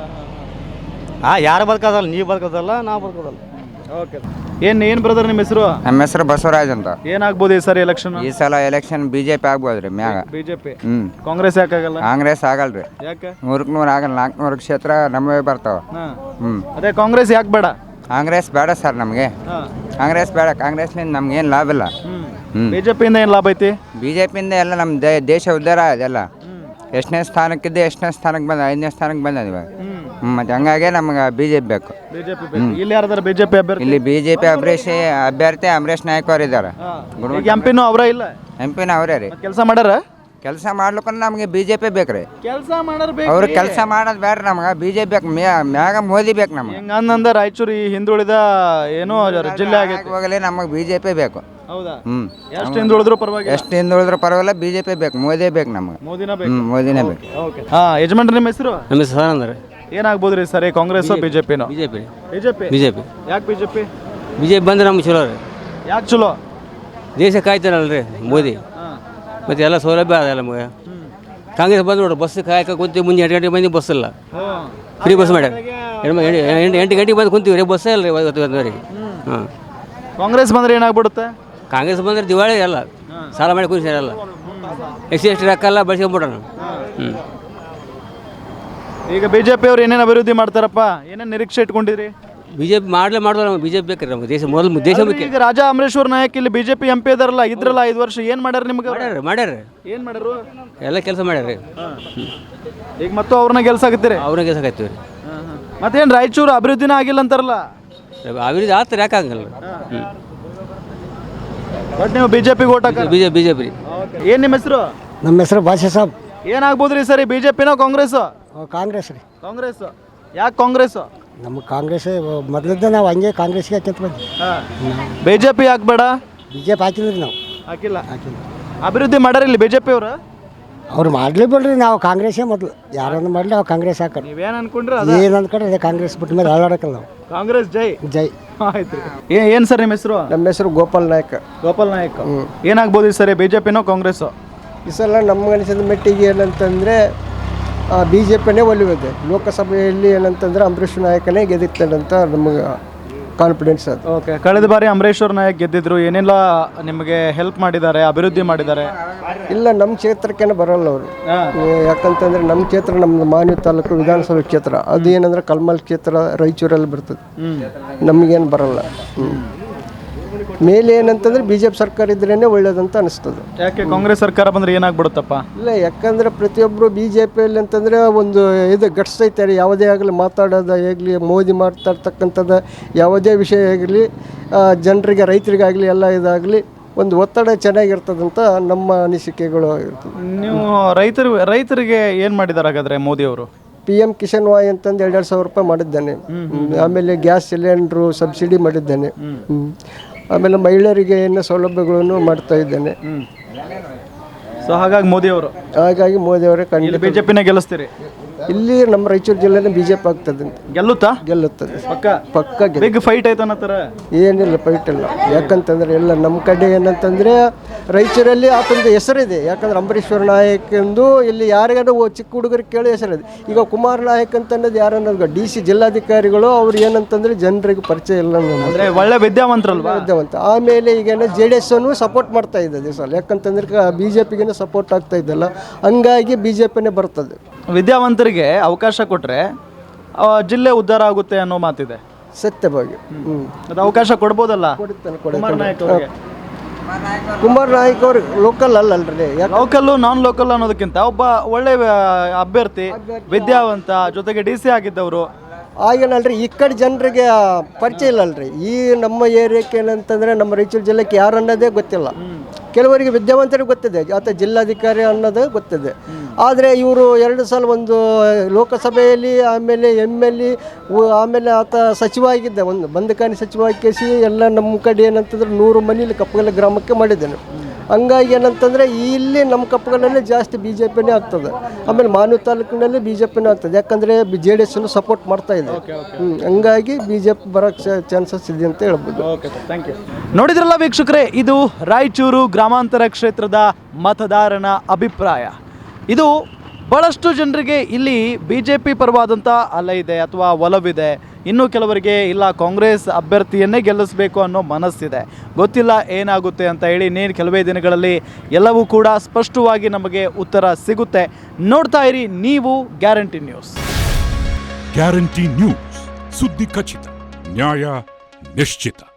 [SPEAKER 6] ಯಾರು ಬದುಕೋದಲ್ಲ, ನೀವು ಬದುಕೋದಲ್ಲ, ನಾವು ಬದುಕೋದಲ್ಲ.
[SPEAKER 1] ಓಕೆ. ಏನು ಬ್ರದರ್ ನಿಮ್ಮ ಹೆಸರು?
[SPEAKER 12] ನಮ್ಮ ಹೆಸರು ಬಸವರಾಜ್ ಅಂತ.
[SPEAKER 1] ಏನಾಗ್ಬೋದು ಈ ಸರಿ ಎಲೆಕ್ಷನ್?
[SPEAKER 12] ಈ ಸಲ ಎಲೆಕ್ಷನ್ BJP ಆಗ್ಬೋದ್ರಿ ಮ್ಯಾಗ.
[SPEAKER 1] BJP. ಕಾಂಗ್ರೆಸ್ ಯಾಕಾಗಲ್ಲ?
[SPEAKER 12] ಕಾಂಗ್ರೆಸ್ ಆಗಲ್ರಿ.
[SPEAKER 1] ಯಾಕೆ?
[SPEAKER 12] 100ಕ್ಕೆ 100 ಆಗಲ್ಲ. 400 ಕ್ಷೇತ್ರ ನಮ್ಮವೇ ಬರ್ತಾವ.
[SPEAKER 1] ಅದೇ ಕಾಂಗ್ರೆಸ್ ಯಾಕೆ ಬೇಡ?
[SPEAKER 12] ಕಾಂಗ್ರೆಸ್ ಬೇಡ ಸರ್ ನಮಗೆ. ಕಾಂಗ್ರೆಸ್ ಬೇಡ. ಕಾಂಗ್ರೆಸ್ನಿಂದ ನಮ್ಗೇನು ಲಾಭ ಇಲ್ಲ.
[SPEAKER 1] BJPಯಿಂದ ಏನು ಲಾಭ ಐತಿ?
[SPEAKER 12] BJPಯಿಂದ ಎಲ್ಲ ನಮ್ಮ ದೇಶ ಉದ್ಧಾರ ಅದೆಲ್ಲ. ಎಷ್ಟನೇ ಸ್ಥಾನಕ್ಕಿದ್ದೆ, ಎಷ್ಟನೇ ಸ್ಥಾನಕ್ಕೆ ಬಂದ, 5ನೇ ಸ್ಥಾನಕ್ಕೆ ಬಂದ ಇವಾಗ. ಮತ್ತೆ ಹಂಗಾಗಿ ನಮ್ಗೆ BJP ಬೇಕು.
[SPEAKER 1] ಇಲ್ಲಿ ಯಾರ್ದಾರ BJP ಅಭ್ಯರ್ಥಿ?
[SPEAKER 12] ಇಲ್ಲಿ BJP ಅಭ್ಯರ್ಥಿ ಅಮರೇಶ್ ನಾಯಕ್ ಅವ್ರು ಇದ್ದಾರೆ.
[SPEAKER 1] MP ನೂ ಅವರ ಇಲ್ಲ?
[SPEAKER 12] MP ನ ಅವರೇ ರೀ.
[SPEAKER 1] ಕೆಲಸ ಮಾಡ್ಯಾರ?
[SPEAKER 12] ಕೆಲಸ ಮಾಡ್ಲಿಕ್ಕೆ ನಮಗೆ BJP ಬೇಕ್ರಿ.
[SPEAKER 1] ಕೆಲಸ ಮಾಡೋರು
[SPEAKER 12] ಅವ್ರು ಕೆಲಸ ಮಾಡೋದು ಬೇಡ್ರಿ ನಮ್ಗೆ. BJP ಬೇಕು. ಮ್ಯಾಗ ಮೋದಿ ಬೇಕು ನಮ್ಗೆ.
[SPEAKER 1] ಹಂಗಂದ ರಾಯಚೂರು ಈ ಹಿಂದುಳಿದ ಏನೋ ಜಿಲ್ಲೆ ಆಗೈತೆ,
[SPEAKER 12] ಹೋಗಲಿ ನಮಗೆ BJP ಬೇಕು.
[SPEAKER 1] ಹೌದಾ? ಎಷ್ಟು ಹಿಂದುಳಿದ್ರು ಪರವಾಗಿಲ್ಲ?
[SPEAKER 12] ಎಷ್ಟು ಹಿಂದುಳಿದ್ರು ಪರವಾಗಿಲ್ಲ, BJP ಬೇಕು. ಮೋದಿ ಬೇಕು ನಮ್ಗೆ.
[SPEAKER 1] ಮೋದಿನ ಬೇಕು.
[SPEAKER 12] ಮೋದಿನೇ ಬೇಕು.
[SPEAKER 1] ಯಜಮಾನ್ರಿ ನಿಮ್ಮ ಹೆಸರು?
[SPEAKER 6] ನಮ್ಮ ಹೆಸರು ಸದಾನಂದ.
[SPEAKER 1] ಏನಾಗ್ಬೋದ್ರಿ ಸರಿ, ಕಾಂಗ್ರೆಸ್ BJPನೋ?
[SPEAKER 6] BJP.
[SPEAKER 1] ಯಾಕೆ
[SPEAKER 6] BJP ಬಂದ್ರೆ ನಮ್ಗೆ ಚಲೋ ರೀ.
[SPEAKER 1] ಯಾಕೆ ಚಲೋ?
[SPEAKER 6] ದೇಶ ಕಾಯ್ತಾನಲ್ರಿ ಮೋದಿ. ಮತ್ತು ಎಲ್ಲ ಸೌಲಭ್ಯ ಅದ ನಮಗೆ. ಕಾಂಗ್ರೆಸ್ ಬಂದು ನೋಡ್ರಿ, ಬಸ್ ಕಾಯಕ ಕುಂತೀವಿ. ಮುಂಜಾನೆ 8 ಗಂಟೆಗೆ ಬಂದು ಬಸ್ ಇಲ್ಲ, ಫ್ರೀ ಬಸ್ ಮಾಡ್ಯಾರ. 8 ಗಂಟೆಗೆ ಬಂದು ಕುಂತೀವಿ ರೀ, ಬಸ್ಸೇ ಇಲ್ಲ ರೀ ಇವತ್ತಿನವರೆಗೆ.
[SPEAKER 1] ಕಾಂಗ್ರೆಸ್ ಬಂದ್ರೆ ಏನಾಗ್ಬಿಡುತ್ತೆ?
[SPEAKER 6] ಕಾಂಗ್ರೆಸ್ ಬಂದ್ರೆ ದಿವಾಳಿ ಎಲ್ಲ ಸಾಲ ಮಾಡಿ ಕುಂತಿರಲ್ಲ. ಎಷ್ಟಿ ರೊಕ್ಕ ಎಲ್ಲ ಬಳಸ್ಕೊಂಬಿಟ್ರ ನಾವು.
[SPEAKER 1] ಈಗ BJP ಅವ್ರು ಏನೇನು ಅಭಿವೃದ್ಧಿ ಮಾಡ್ತಾರಪ್ಪ? ಏನೇನು ನಿರೀಕ್ಷೆ ಇಟ್ಕೊಂಡಿರಿ?
[SPEAKER 6] BJP ಮಾಡೋದು ನಮ್ಮ BJP ಬೇಕಾರೆ ನಮ್ಮ ದೇಶ ಮೊದಲು ದೇಶ ಮುಖ್ಯ.
[SPEAKER 1] ಈಗ ರಾಜಾ ಅಮರೇಶ್ವರ್ ನಾಯಕ್ ಇಲ್ಲಿ BJP MP ಇದಾರಲ್ಲ, ಇದ್ರಲ್ಲ 5 ವರ್ಷ ಏನು ಮಾಡ್ಯಾರ ನಿಮ್ಗೆ?
[SPEAKER 6] ಮಾಡ್ಯಾರ.
[SPEAKER 1] ಏನು ಮಾಡ್ಯಾರು?
[SPEAKER 6] ಎಲ್ಲ ಕೆಲಸ ಮಾಡ್ಯಾರ.
[SPEAKER 1] ಈಗ ಮತ್ತು ಅವ್ರನ್ನ ಗೆಲ್ಸಾಕತ್ತೀರಿ?
[SPEAKER 6] ಅವ್ರನ್ನ ಗೆಲ್ಸಾಕತ್ತೀವಿ ರೀ.
[SPEAKER 1] ಮತ್ತೇನು ರಾಯಚೂರು ಅಭಿವೃದ್ಧಿನ ಆಗಿಲ್ಲ ಅಂತಾರಲ್ಲ?
[SPEAKER 6] ಅಭಿವೃದ್ಧಿ ಆಗ್ತಾರೆ, ಯಾಕೆ ಆಗಲ್ಲ?
[SPEAKER 1] ಬಟ್ ನೀವು BJP ಓಟ್ ಹಾಕ?
[SPEAKER 6] BJP ರೀ.
[SPEAKER 1] ಏನು ನಿಮ್ಮ ಹೆಸರು?
[SPEAKER 3] ನಮ್ಮ ಹೆಸರು ಭಾಷೆ ಸಾಬ್.
[SPEAKER 1] ಏನಾಗ್ಬೋದು ರೀ ಸರಿ, BJPನೋ ಕಾಂಗ್ರೆಸ್?
[SPEAKER 3] ಕಾಂಗ್ರೆಸ್ ರೀ.
[SPEAKER 1] ಕಾಂಗ್ರೆಸ್. ಯಾಕೆ ಕಾಂಗ್ರೆಸ್?
[SPEAKER 3] ನಮಗೆ ಕಾಂಗ್ರೆಸ್ ಮೊದಲಿದ್ದ ನಾವು ಹಂಗೆ ಕಾಂಗ್ರೆಸ್ಗೆ ಹಾಕ್ಯಂತ ಬಂದ್ವಿ.
[SPEAKER 1] BJP ಯಾಕೆ ಬೇಡ?
[SPEAKER 3] BJP ಹಾಕಿದ್ರಿ ನಾವು.
[SPEAKER 1] ಹಾಕಿಲ್ಲ. ಅಭಿವೃದ್ಧಿ ಮಾಡ್ಯಾರ ಇಲ್ಲಿ BJP ಅವರು?
[SPEAKER 3] ಅವ್ರು ಮಾಡಲಿ ಬಿಡ್ರಿ, ನಾವು ಕಾಂಗ್ರೆಸ್ಸೇ ಮೊದಲು. ಯಾರನ್ನು ಮಾಡಲಿ ನಾವು ಕಾಂಗ್ರೆಸ್ ಹಾಕೋದು.
[SPEAKER 1] ನೀವೇನು ಅನ್ಕೊಂಡ್ರೆ
[SPEAKER 3] ಏನು ಅಂದ್ಕೊಂಡ್ರೆ ಅದೇ ಕಾಂಗ್ರೆಸ್ ಬಿಟ್ಟ ಮೇಲೆ ಹಾಳಾಡಕ್ಕಲ್ಲ ನಾವು.
[SPEAKER 1] ಕಾಂಗ್ರೆಸ್ ಜೈ.
[SPEAKER 3] ಜೈ.
[SPEAKER 1] ಆಯ್ತು. ಏನು ಸರ್ ನಿಮ್ಮ ಹೆಸರು?
[SPEAKER 2] ನಮ್ಮ ಹೆಸರು ಗೋಪಾಲ್ ನಾಯಕ್.
[SPEAKER 1] ಗೋಪಾಲ್ ನಾಯಕ್. ಏನಾಗ್ಬೋದು ಈ ಸರಿ, BJPನೋ ಕಾಂಗ್ರೆಸ್?
[SPEAKER 2] ಈ ಸಲ ನಮ್ಗೆ ಅನಿಸಿದ ಮಟ್ಟಿಗೆ ಏನಂತಂದರೆ BJPನೇ ಒಲಿಯುತ್ತೆ. ಲೋಕಸಭೆಯಲ್ಲಿ ಏನಂತಂದ್ರೆ ಅಂಬರೀಷ್ ನಾಯಕನೇ ಗೆದ್ದಿರ್ತಾನಂತ ನಮಗೆ ಕಾನ್ಫಿಡೆನ್ಸ್ ಅದು.
[SPEAKER 1] ಓಕೆ. ಕಳೆದ ಬಾರಿ ಅಂಬರೀಶ್ವರ್ ನಾಯಕ್ ಗೆದ್ದಿದ್ರು, ಏನೆಲ್ಲ ನಿಮಗೆ ಹೆಲ್ಪ್ ಮಾಡಿದ್ದಾರೆ, ಅಭಿವೃದ್ಧಿ ಮಾಡಿದ್ದಾರೆ?
[SPEAKER 2] ಇಲ್ಲ, ನಮ್ಮ ಕ್ಷೇತ್ರಕ್ಕೇನೆ ಬರೋಲ್ಲ ಅವರು. ಯಾಕಂತಂದರೆ ನಮ್ಮ ಕ್ಷೇತ್ರ ನಮ್ಮದು ಮಾನ್ವಿ ತಾಲೂಕು ವಿಧಾನಸಭೆ ಕ್ಷೇತ್ರ. ಅದು ಏನಂದ್ರೆ ಕಲ್ಮಲ್ ಕ್ಷೇತ್ರ ರಾಯಚೂರಲ್ಲಿ ಬರ್ತದೆ. ನಮಗೇನು ಬರೋಲ್ಲ. ಮೇಲೆ ಏನಂತಂದ್ರೆ BJP ಸರ್ಕಾರ ಇದ್ರೇ ಒಳ್ಳೇದಂತ ಅನಿಸ್ತದೆ.
[SPEAKER 1] ಯಾಕೆ ಕಾಂಗ್ರೆಸ್ ಸರ್ಕಾರ ಬಂದ್ರೆ ಏನಾಗ್ಬಿಡುತ್ತಪ್ಪ?
[SPEAKER 2] ಇಲ್ಲ, ಯಾಕಂದ್ರೆ ಪ್ರತಿಯೊಬ್ಬರು BJPಯಲ್ಲಿ ಅಂತಂದರೆ ಒಂದು ಇದು ಗಟ್ಸ್ ಐತಾರೆ. ಯಾವುದೇ ಆಗಲಿ ಮಾತಾಡೋದು ಆಗಲಿ, ಮೋದಿ ಮಾತಾಡ್ತಕ್ಕಂಥದ್ದು ಯಾವುದೇ ವಿಷಯ ಆಗಲಿ, ಜನರಿಗೆ ರೈತರಿಗಾಗಲಿ ಎಲ್ಲ ಇದಾಗಲಿ ಒಂದು ಒತ್ತಡ ಚೆನ್ನಾಗಿರ್ತದಂತ ನಮ್ಮ ಅನಿಸಿಕೆಗಳು ಇರ್ತದೆ.
[SPEAKER 1] ನೀವು ರೈತರಿಗೆ ಏನು ಮಾಡಿದ್ದಾರೆ ಹಾಗಾದರೆ ಮೋದಿಯವರು?
[SPEAKER 2] PM ಕಿಸಾನ್ ವಾಯ್ ಅಂತಂದು 2,000 ರೂಪಾಯಿ ಮಾಡಿದ್ದಾನೆ. ಆಮೇಲೆ ಗ್ಯಾಸ್ ಸಿಲಿಂಡ್ರು ಸಬ್ಸಿಡಿ ಮಾಡಿದ್ದಾನೆ. ಆಮೇಲೆ ಮಹಿಳೆಯರಿಗೆ ಏನು ಸೌಲಭ್ಯಗಳನ್ನು ಮಾಡ್ತಾ ಇದ್ದಾನೆ.
[SPEAKER 1] ಸೊ ಹಾಗಾಗಿ ಮೋದಿ
[SPEAKER 2] ಮೋದಿಯವರೇ ಖಂಡಿತ
[SPEAKER 1] ಬಿಜೆಪಿನ ಗೆಲ್ಲಿಸ್ತೀರಿ.
[SPEAKER 2] ಇಲ್ಲಿ ನಮ್ಮ ರಾಯಚೂರು ಜಿಲ್ಲೆನ BJP ಆಗ್ತದೆ. ಗೆಲ್ಲುತ್ತದೆ ಪಕ್ಕ
[SPEAKER 1] ಬಿಗ್ ಫೈಟ್ ಆಯ್ತಾನತ್ತರ.
[SPEAKER 2] ಏನಿಲ್ಲ ಫೈಟ್ ಇಲ್ಲ. ಯಾಕಂತಂದ್ರೆ ಎಲ್ಲ ನಮ್ಮ ಕಡೆ ಏನಂತಂದ್ರೆ ರಾಯಚೂರಲ್ಲಿ ಆತಂದು ಹೆಸರಿದೆ. ಯಾಕಂದ್ರೆ ಅಂಬರೀಶ್ವರ ನಾಯಕ್ ಎಂದು ಇಲ್ಲಿ ಯಾರಿಗಾದ್ರೂ ಚಿಕ್ಕ ಹುಡುಗರಿಗೆ ಕೇಳಿ ಹೆಸರಿದೆ. ಈಗ ಕುಮಾರ್ ನಾಯಕ್ ಅಂತ ಅನ್ನೋದು ಯಾರನ್ನೋದು DC ಜಿಲ್ಲಾಧಿಕಾರಿಗಳು ಅವ್ರು ಏನಂತಂದ್ರೆ ಜನರಿಗೆ ಪರಿಚಯ ಇಲ್ಲ
[SPEAKER 1] ಅಂದ್ರೆ ಒಳ್ಳೆ ವಿದ್ಯಾವಂತರಲ್ವಾ?
[SPEAKER 2] ವಿದ್ಯಾವಂತ. ಆಮೇಲೆ ಈಗೇನೋ JDS ಅನ್ನು ಸಪೋರ್ಟ್ ಮಾಡ್ತಾ ಇದ್ದದೆ ಸರ್. ಯಾಕಂತಂದ್ರೆ BJPಗೆ ಸಪೋರ್ಟ್ ಆಗ್ತಾ ಇದ್ದಲ್ಲ, ಹಂಗಾಗಿ BJPನೇ ಬರ್ತದೆ.
[SPEAKER 1] ವಿದ್ಯಾವಂತರಿಗೆ ಅವಕಾಶ ಕೊಟ್ಟರೆ ಜಿಲ್ಲೆ ಉದ್ಧಾರ ಆಗುತ್ತೆ ಅನ್ನೋ ಮಾತಿದೆ.
[SPEAKER 2] ಸತ್ಯವಾಗಿ
[SPEAKER 1] ಅದು ಅವಕಾಶ ಕೊಡ್ಬೋದಲ್ಲ?
[SPEAKER 2] ಕುಮಾರ್ ನಾಯಕ್ ಅವ್ರು ಲೋಕಲ್ ಅಲ್ಲಲ್ರಿ.
[SPEAKER 1] ಲೋಕಲ್ಲು ನಾನ್ ಲೋಕಲ್ ಅನ್ನೋದಕ್ಕಿಂತ ಒಬ್ಬ ಒಳ್ಳೆ ಅಭ್ಯರ್ಥಿ, ವಿದ್ಯಾವಂತ, ಜೊತೆಗೆ DC ಆಗಿದ್ದವರು.
[SPEAKER 2] ಆಗೇನಲ್ರಿ ಈ ಕಡೆ ಜನರಿಗೆ ಪರಿಚಯ ಇಲ್ಲಲ್ರಿ. ಈ ನಮ್ಮ ಏರಿಯಾಕ್ಕೆ ಏನಂತಂದರೆ ನಮ್ಮ ರಾಯಚೂರು ಜಿಲ್ಲೆಗೆ ಯಾರು ಅನ್ನೋದೇ ಗೊತ್ತಿಲ್ಲ. ಕೆಲವರಿಗೆ ವಿದ್ಯಾವಂತರಿಗೆ ಗೊತ್ತಿದೆ, ಆತ ಜಿಲ್ಲಾಧಿಕಾರಿ ಅನ್ನೋದು ಗೊತ್ತಿದೆ. ಆದರೆ ಇವರು 2 ಸಲ ಒಂದು ಲೋಕಸಭೆಯಲ್ಲಿ, ಆಮೇಲೆ MLA, ಆಮೇಲೆ ಆತ ಸಚಿವ ಆಗಿದ್ದ, ಒಂದು ಬಂದಕಾನಿ ಸಚಿವ ಆಗಿಸಿ ಎಲ್ಲ ನಮ್ಮ ಕಡೆ ಏನಂತಂದ್ರೆ 100 ಮನೇಲಿ ಕಪ್ಪಗಲ ಗ್ರಾಮಕ್ಕೆ ಮಾಡಿದ್ದೇನೆ. ಹಂಗಾಗಿ ಏನಂತಂದರೆ ಇಲ್ಲಿ ನಮ್ಮ ಕಪ್ಪಗಲಲ್ಲಿ ಜಾಸ್ತಿ BJPನೇ ಆಗ್ತದೆ. ಆಮೇಲೆ ಮಾನವ ತಾಲೂಕಿನಲ್ಲಿ BJPನೇ ಆಗ್ತದೆ. ಯಾಕಂದರೆ JDS ಸಪೋರ್ಟ್ ಮಾಡ್ತಾ ಇದೆ. ಹಂಗಾಗಿ BJP ಬರೋಕ್ಕೆ ಚಾನ್ಸಸ್ ಇದೆ ಅಂತ ಹೇಳ್ಬೋದು.
[SPEAKER 1] ನೋಡಿದ್ರಲ್ಲ ವೀಕ್ಷಕರೇ, ಇದು ರಾಯಚೂರು ಗ್ರಾಮಾಂತರ ಕ್ಷೇತ್ರದ ಮತದಾರನ ಅಭಿಪ್ರಾಯ. ಇದು ಭಾಳಷ್ಟು ಜನರಿಗೆ ಇಲ್ಲಿ BJP ಪರವಾದಂಥ ಅಲೆ ಇದೆ ಅಥವಾ ಒಲವಿದೆ. ಇನ್ನು ಕೆಲವರಿಗೆ ಇಲ್ಲ, ಕಾಂಗ್ರೆಸ್ ಅಭ್ಯರ್ಥಿಯನ್ನೇ ಗೆಲ್ಲಿಸಬೇಕು ಅನ್ನೋ ಮನಸ್ಸಿದೆ. ಗೊತ್ತಿಲ್ಲ ಏನಾಗುತ್ತೆ ಅಂತ ಹೇಳಿ. ಇನ್ನೇನು ಕೆಲವೇ ದಿನಗಳಲ್ಲಿ ಎಲ್ಲವೂ ಕೂಡ ಸ್ಪಷ್ಟವಾಗಿ ನಮಗೆ ಉತ್ತರ ಸಿಗುತ್ತೆ. ನೋಡ್ತಾ ಇರಿ ನೀವು ಗ್ಯಾರಂಟಿ ನ್ಯೂಸ್.
[SPEAKER 13] ಗ್ಯಾರಂಟಿ ನ್ಯೂಸ್, ಸುದ್ದಿ ಖಚಿತ, ನ್ಯಾಯ ನಿಶ್ಚಿತ.